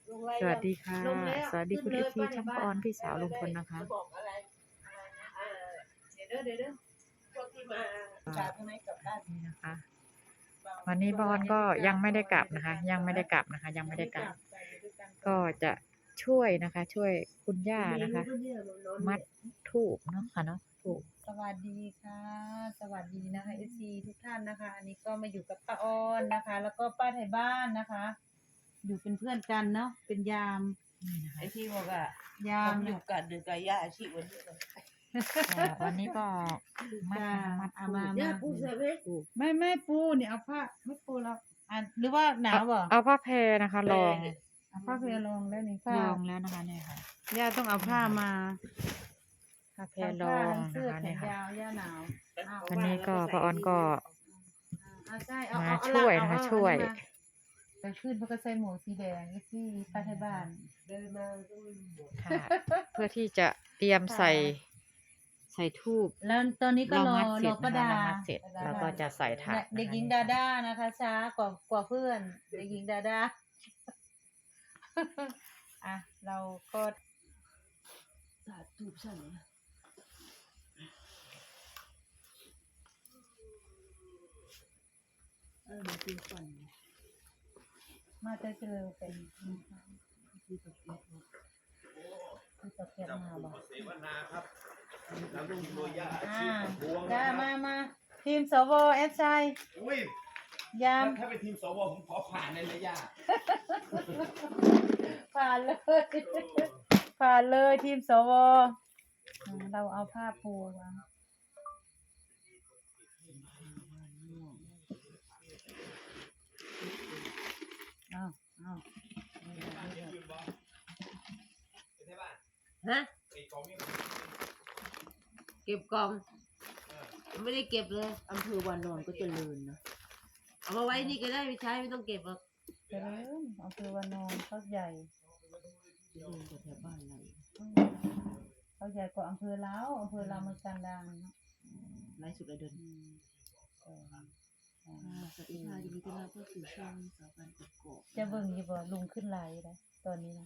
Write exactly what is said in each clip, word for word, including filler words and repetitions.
สวัสดีค่ะ สวัสดีคุณเอฟซีช่องปอนพี่สาวลุงพลนะคะบอกอะไรอ่าเดี๋ยวเดี๋ยวเดี๋ยวพวกที่มาจากทางไหนกลับบ้านนี่นะคะ วันนี้ปอนก็ยังไม่ได้กลับนะคะ ยังไม่ได้กลับนะคะ ยังไม่ได้กลับ ก็จะช่วยนะคะ ช่วยคุณย่านะคะ มัดทูบเนาะค่ะเนาะทูบสวัสดีค่ะ สวัสดีนะคะเอฟซีทุกท่านนะคะ อันนี้ก็มาอยู่กับป้าออนนะคะ แล้วก็ป้าไทยบ้านนะคะ อยู่เป็นเพื่อนกันเนาะเป็นยามนี่นะคะไอ้ที่บอกอ่ะยาผม มอยู่กับเดือกบย่าอาชีพวันนี้เลยอ่าวันนี้ก็มัดจ้ามัดเอาทูมาบเนี่ยมาปูเสร็จไหมทูบไม่ไม่ปูเนี่ยเอาผ้าไม่ปูแล้วอ่ะหรือว่าหนาวบ่เอาผ้าแพรนะคะลองเอาผ้าเพลรองแล้วนี่ลผ้าองแล้วนะคะเนี่ยค่ะย่าต้องเอาผ้ามาผ้าแพรทั้งลผ้าองทั้งเสื้นะอคะแขเนี่ยนค่ะยาวย่าหนาวอ้าววันนี้ก็ป้าออนก็เอาใช่เอามาเอาเอาช่วยเอานะคะเอาช่วยเอาไปขึ้นเพราะก็ใส่หมวกสีแดงเอฟซีป้าไทยบ้านเดินมาก็ไม่หมดค่ะ เพื่อที่จะเตรียมใส่ใส่ทูบแล้วตอนนี้ก็เรารอมัดเสรร็อจป้านะคะดาเรามัดเสร็จแล้วก็จะใส่ถาดเด็กหญิงดาด้านะคะ ช้ากว่ากว่าเพื่อน เด็กหญิงดาด้า อ่ะเราก็สาดตูบสั่นนะเออมันเป็นฝันมาเจอเจอเป็นที่ตกเกียบที่ตกเกียบมาบอกเสวนาครับนำลุงโรยาอ่าพวงได้มามาทีมสวเอสไออุ้ยยามถ้าเป็นทีมสวผมขอผ่านเลยนะย่าผ่านเลย ผ่านเลยทีมสวอ่าเราเอาผ้าปูวางอ้าวอ้าวฮะเก็บกล่องไม่ได้เก็บเลยอำเภอวานอนก็เจริญนะเอามาไว้นี่ก็ได้ไม่ใช้ไม่ต้องเก็บหรอกเจริญอำเภอวานอนเขาใหญ่เดินจากแถวบ้านเราเขาใหญ่กว่าอำเภอแล้วอำเภอเรามันกันดังเนาะไล่สุดเลยเดินอืมเอออ่าสวัสดีค่ะยินดีต้อนรับเข้าสู่ช่องสาวบ้านกกอกจะเบิ่งอยู่บ่ลุงขึ้นไลน์เลยตอนนี้นะ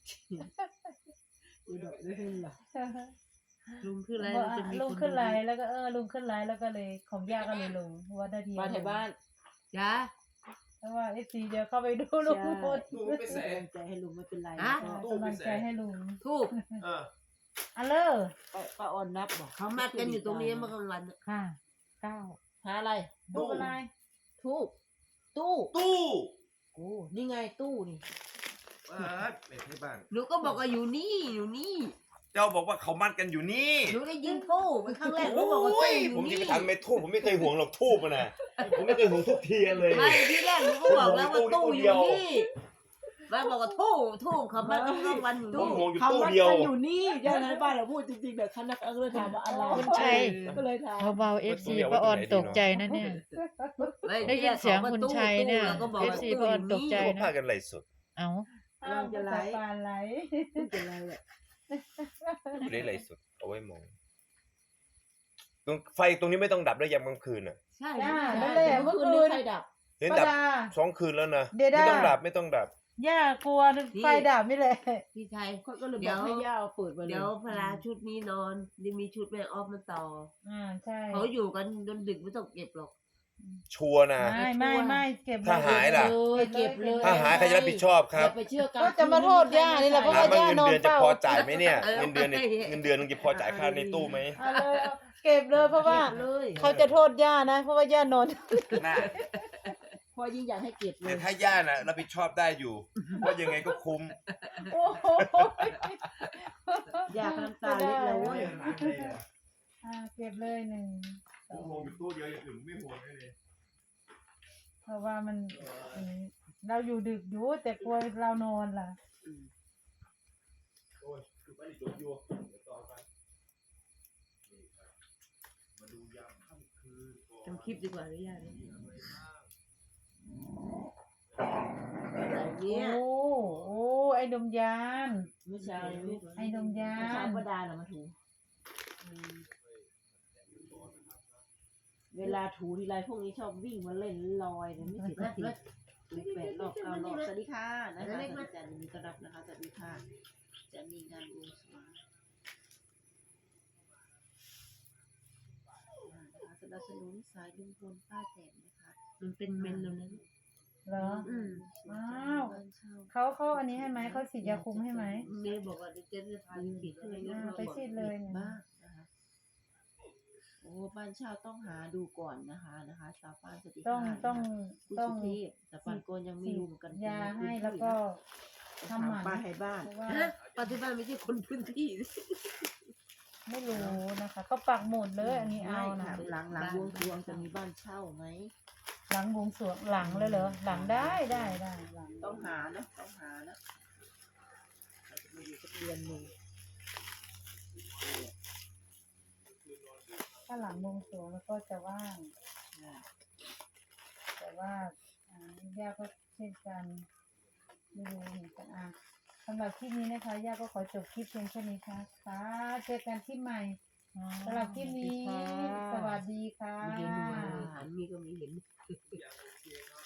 อุดรไม่ขึ้นหรอลุงขึ้นอะไรว่าจะมีลุงขึ้นไลน์แล้วก็เออลุงขึ้นไลน์แล้วก็เลยของย่าก็เลยลงเพราะว่าได้ทีมาแถวบ้านจ้าเพราะว่าเอฟซีเดี๋ยวเข้าไปดูลุงหมดตู้ไปแสกำลังใจให้ลุงไม่เป็นไรอ่ากำลังใจให้ลุงทูบเอออ่ะเลอป้าออนนับบอกเขามัดกันอยู่ตรงนี้เมื่อกลางวันค่ะเก้าหาอะไรดูอะไรทูบตู้ตู้โอ้นี่ไงตู้นี่เออไม่ใช่บ้านหนูก็บอกว่าอยู่นี่อยู่นี่เจ้าบอกว่าเขามัดกันอยู่นี่หนูได้ยินตู้ไปครั้งแรกหนูโอ้บอกว่าตู้ยอผยู่มจะนี่ไปทำไม่ทูบผมไม่เคยห่วงหรอกทูบมันนะผมไม่เคยห่วงทุกเทียนเลยไม่ที่แรกหนูก็บอกแล้วว่าตู้อยู่นี่แม่บอกว่าทูบทูบเขามัดกันกลางวันอยู่ผมนี่ห่วงอยู่ตู้เดียวอยู่นี่เจ้าในบ้านเราพูดจริงๆเดี๋ยวคณะก็เลยถามว่าอะไรคุณชัยก็เลยถามเบาๆเอฟซีป้าออนตกใจนะเนี่ยไม่ได้ยินเสียงคุณชัยเนี่ยแล้วก็บอกเอฟว่าซีตู้ป้าอออนยู่ตกใจนี่พวกพากันไหลสุดเอ้าอ้าวจะไหลปานไหลพูดอะไรแหละไม่ได้ไหลสุดเอาไว้มองตรงไฟตรงนี้ไม่ต้องดับด้วยยามกลางคืนอ่ะใช่จ้าใช่นั่นแหละเมื่เมื่ออคืนคืนี้นใครดับเห็นป้าดับดาสองคืนแล้วนะเดี๋ยวได้ไม่ต้องดับไม่ต้องดับย่ากลัวไฟดับนี่แหละพี่ชัยก็เลยบอกให้ย่าเอาเปิดมาเลยเดี๋ยวพลาชุดนี้นอนจะมีชุดแม่ออฟมาต่ออ่าใช่เขาอยู่กันจนดึกไม่ต้องเก็บหรอกชัวร์นะไม่ไม่ไม่เก็บถ้าหายล่ะเลยเก็บเลยถ้าหายใครจะรับผิดชอบครับอย่าไปเชื่อกันก็จะมาโทษย่านี่แหละเพราะถาว่ามว่าย่าเงินนอนเดือนจะเฝ้าพอจ่ายไหมเนี่ยเงินเดือนเนี่ยเงินเดือนนึงจะพอจ่ายค่าในตู้ไหมเอาเลยเอาเก็บเลยเพราะว่าเลยเขาจะโทษย่านะเพราะว่าย่านอนน่าพอยิ่งอยากให้เก็บเลแต่ยถ้าย่าน่ะรับผิดชอบได้อยู่ว่ายังไงก็คุ้มโอ้โหอยากน้ำตาเล็กแล้วเว้ยอ่าเก็บเลยหนึ่งสองห่วงตู้เดียวอย่างอื่นไม่ห่วงเลยเพราะว่ามันอืมเราอยู่ดึกอยู่แต่กลัวเรานอนล่ะโอ้ยคือไม่ได้จบอยู่เดี๋ยวต่อไปนี่ครับมาดูยามค่ำคืนก่อนทำคลิปดีกว่าหรือยังมีอะไรบ้างอะไรเนี่ยโอ้โอ้ไอ้ดมยานเมื่อเช้าไอ้ดมยาเมื่อเช้าน ประดาน่ะมาถูเวลาถูทีไรพวกนี้ชอบวิ่งมาเล่นลอยเนี่ยไม่เสร็จสักทีตูแปดรอบเก้ารอบสวัสดีค่ะนะคะอาจารย์ยินดีต้อนรับนะคะสวัสดีค่ะจะมีงานบวงสรวงนะคะสนับสนุนสายลุงพลป้าแตนนะคะมันเป็นเมนแล้วนั้นเหรออืมอ้าวเขาเขาอันนี้ให้ไหมเขาฉีดยาคุมให้ไหมเมย์บอกว่าเดี๋ยวเจ๊จะพาไปปิดอะไรเงี้ยอ่าไปฉีดเลยเนี่ยบ้างนะคะโอ้บ้านเช่าต้องหาดูก่อนนะคะนะคะสาวป้านสติต้องต้องคุณต้องสุเทพแต่ปานโกนยังไม่รู้เหมือนกันยาให้แล้วก็ทำทำหมันป้าไทยบ้านเพราะว่าฮะปฏิบัติไม่ใช่คนพื้นที่ไม่รู้นะคะเขาปักหมุดเลยอันนี้เอานะหลังหลังวงสรวงจะมีบ้านเช่าไหมหลังบวงสรวงหลังเลยเหรอหลังได้ได้ได้หลังต้องหานะต้องหานะอาจจะมาอยู่สักเดือนหนึ่งถ้าหลังบวงสรวงแล้วก็จะว่างอ่าแต่ว่าอ่าย่าก็เช่นกันไม่รู้เหมือนกันอ่ะสำหรับคลิปนี้นะคะย่าก็ขอจบคลิปเพียงแค่นี้ค่ะค่ะเจอกันคลิปใหม่สำหรับคลิปนี้ สวัสดีค่ะมีเห็นอยู่อาหารมีก็มีเห็นอย่างโอเคครับ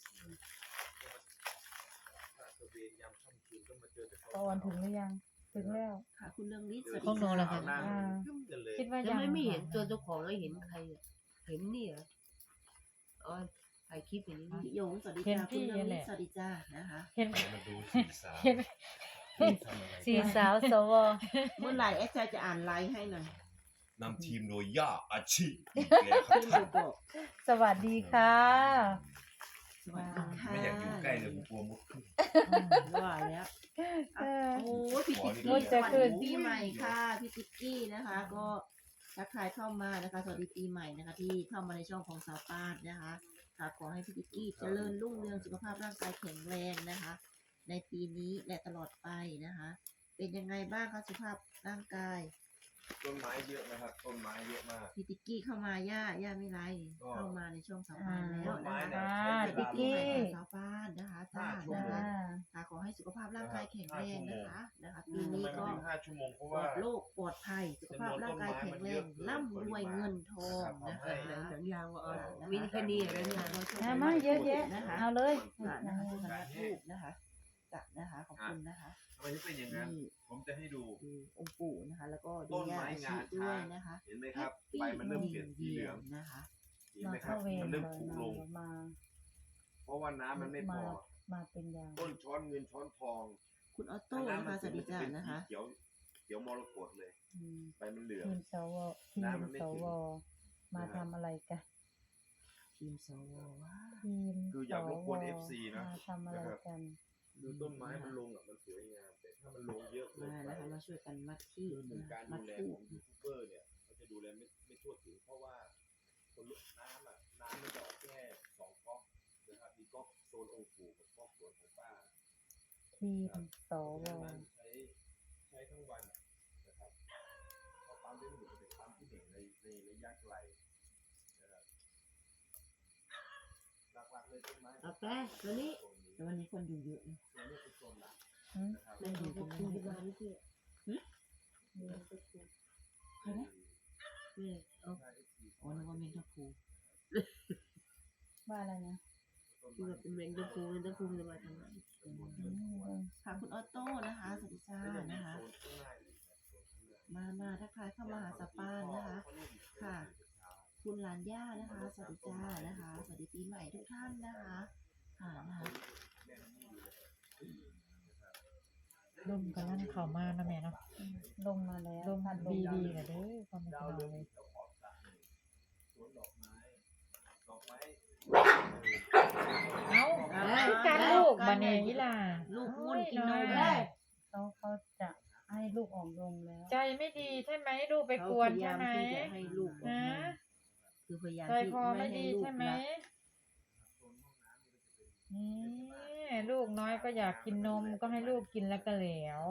ถ้าตะเวนยามค่ำคืนก็มาเจอแต่ตอนถึงหรือยัง ถึงแล้วค่ะคุณเรื่องนี้สวัสพวกหนูดีเหรอค่ะคะอ่ากันเลยคิดว่าแต่ยังไม่ไม่เห็นตัวเจ้าของแล้วเห็นใครอะเห็นนี่เหรออ๋อถ่ายคลิปอย่างนี้พี่หยงสวัสดีเห็นจ้าคุพี่ณเรื่องแหนี้ละสวัสดีจ้านะคะเห็นมาดูสีสาวเห็นทำอะไรสี่สาวสวเมื่อไหร่แอดจะจะอ่านไลน์ให้หน่อยนำทีมโดยย่าอาชีอีกแล้วครับพี่ท่านบอกสวัสดีค่ะสวัสดีค่ะไม่อยากอยู่ใกล้เลยผมกลัวมุดขึ้นว่าแล้วเออโอ้ยพี่ติ๊กมุกี้ดสจะวัสขึ้นดีปีใหม่ค่ะพี่ติ๊กกี้นะคะ ก็ทักทายเข้ามานะคะสวัสดีปีใหม่นะคะ ที่เข้ามาในช่องของสาวป้านนะคะค่ะขอให้พี่ติ๊กกี้เจริญรุ่งเรืองสุขภาพร่างกายแข็งแรงนะคะ ในปีนี้และตลอดไปนะคะ เป็นยังไงบ้างคะสุขภาพร่างกายต้นไม้เยอะนะครับ ต้นไม้เยอะมากพี่ติ๊กกี้เข้ามาย่าย่าไม่ไรก็เข้ามาในช่องสาวป้านแล้วต้นนะไม้คะเนี่ยใช้เวพี่ลาติ๊กลกี้งใหม่ของสาวป้านนะคะจ้าห้าชั่วนะโมงคะอ่าค่ะขอให้สุขภาพร่างกายแข็งแรงนะคะนะคะปีทำนี้ไมมันก็ถึงห้าชั่วโมงเพราะปลว่าอดโรคปลอดภัยสุขภาพร่างกายแข็งแรงร่ำรวยเงินทองนะคะหนังหนังยางว่าเออมีแค่นี้เรื่องยางอ่ามาเยอะแยะนะคะเอาเลยค่ะนะคะคุณนัทลูกนะคะจัดนะคะขอบคุณนะคะทำไมถึงเป็นอย่างนั้นนี่ผมจะให้ดูดูองค์ปู่นะคะ แล้วก็ดูต้นย่าไม้อางาชีช้างด้วยนะคะเห็นไหมครับใบมันเริ่มเปลี่ยนสีเหลืองนะคะเห็นมาไหมครัเข้าบเวรมันเลเริ่ยมผุมาลงมาเพราะว่าน้ำมันไม่พมาอมาเป็นยางต้นช้อนเงินช้อนทองคุณออโต้นะคะสวัสดีจ้านะคะเขียวเขียวมรกตเลยอืมใบมันเหลืองทีมสวทีมน้ำมันไม่สถึงวมาทำอะไรกันทีมสวว้าทีมคืออยากรบกวนสเอฟซี นะมาทำอะไรกันดูต้นไม้มันลงอ่ะมันสวยงามแต่ถ้ามันลงเยอะเกินมาไปนะคะมาช่วยกันมัดที่คือหนึ่งการมัดูดแลทูของยูทูบเบอร์เนี่ยเขาจะดูแลไม่ไม่ทั่วถึงเพราะว่าคนลุกน้ำอ่ะน้ำมันจะออกแค่สองก๊อกนะครับมีก๊อกโซนองค์ปู่กับก๊อกสวนของป้าทีมสวมันใช้ใช้ทั้งวันนะครับเพราะปั๊มเลี้ยงหมูเป็นปั๊มที่หนึ่งในในระยะไกลนะครับหลักๆเลยต้นไม้เอาแปะตัวนี้แต่วันนี้คนอยู่เยอะนะตัวนี้เป็นโซนหลักอืมนะครับนั่งอยู่ตรงนี้ที่บ้านนี่พี่ใครนะนี่เอาอ๋อนึกว่าเมนทัพพูว่าอะไรนะที่ว่าเป็นแมงดาฟูแมงดาฟูจะมาทำงานอืมค่ะคุณออโต้นะคะสวัสดีจ้านะคะ มามาทักทายเข้ามาหาสปานนะคะ ค่ะ คุณหลานย่านะคะ สวัสดีจ้านะคะ สวัสดีปีใหม่ทุกท่านนะคะค่ะนะคะลมกำลังเข้ามานะแม่เนาะลงมาแล้วลมพัดดีลมดีๆนะเด้อความเป็นเราเลยสวนดอกไม้ดอกไม้เอ้าคือการลูกบันเนยีล่ะลูกมุ่นกินนมโอ้ยได้เขาเขาจะให้ลูกออกลงแล้วใจไม่ดีใช่ไหมลูกไปกวนใช่ไหมเขาพยายามที่จะให้ลูกออกฮะมาคือพยายามใจที่คอไม่ให้ดีลูกใช่ไหมรักนี่ลูกน้อยก็อยากกินนมก็ให้ลูกกินแล้วก็แล้ว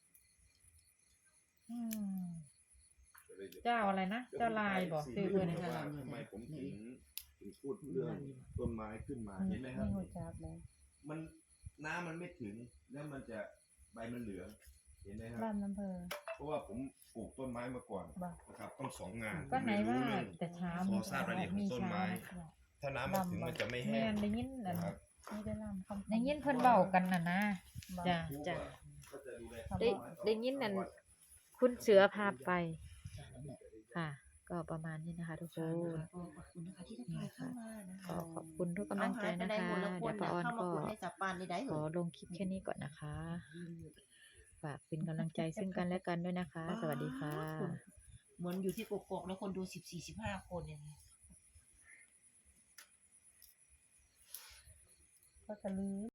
อืมเจ้าอะไรนะเจ้าลายบอกซื้อเพื่อนทำไมผมถึงถึงพูดเรื่องต้นไม้ขึ้นมาเห็นไหมครับนี่หัวจับเลยมันน้ำมันไม่ถึงแล้วมันจะใบมันเหลืองเห็นไหมครับบ้านน้ำเพอเพราะว่าผมปลูกต้นไม้มาก่อนบอกนะครับต้องสองงานก็ไหนว่าผมเลยรู้เรื่องแต่เช้าขอทราบรายละเอียดของต้นไม้ ถ้าน้ำมันถึงมันจะไม่แห้แม่งได้ยินอันนะครับนี่ได้ลำคำได้ยินเพิ่นเว้ากันน่ะนะจ้ะจ้ะก็จะดูแลได้ได้ยินนั่นคุณเสือพาไปค่ะ ก็ประมาณนี้นะคะ ทุกคนก็ขอบคุณนะคะที่ทักทายเข้ามานะคะก็ขอบคุณทุกกำลังใจนะคะเอาหายไปไหนหมดแล้วคเดี๋ยนวป้าออนเข้ามาก็กดให้จับปานได้ได้ขเหรออลงคลิปแค่นี้ก่อนนะคะ ฝากเป็นกำลังใจซึ่งกันและกันด้วยนะคะ สวัสดีค่ะเหมือนอยู่ที่กกอกแล้วคนดูสิบสี่สิบห้าคนอย่างนี้ก็จะลืม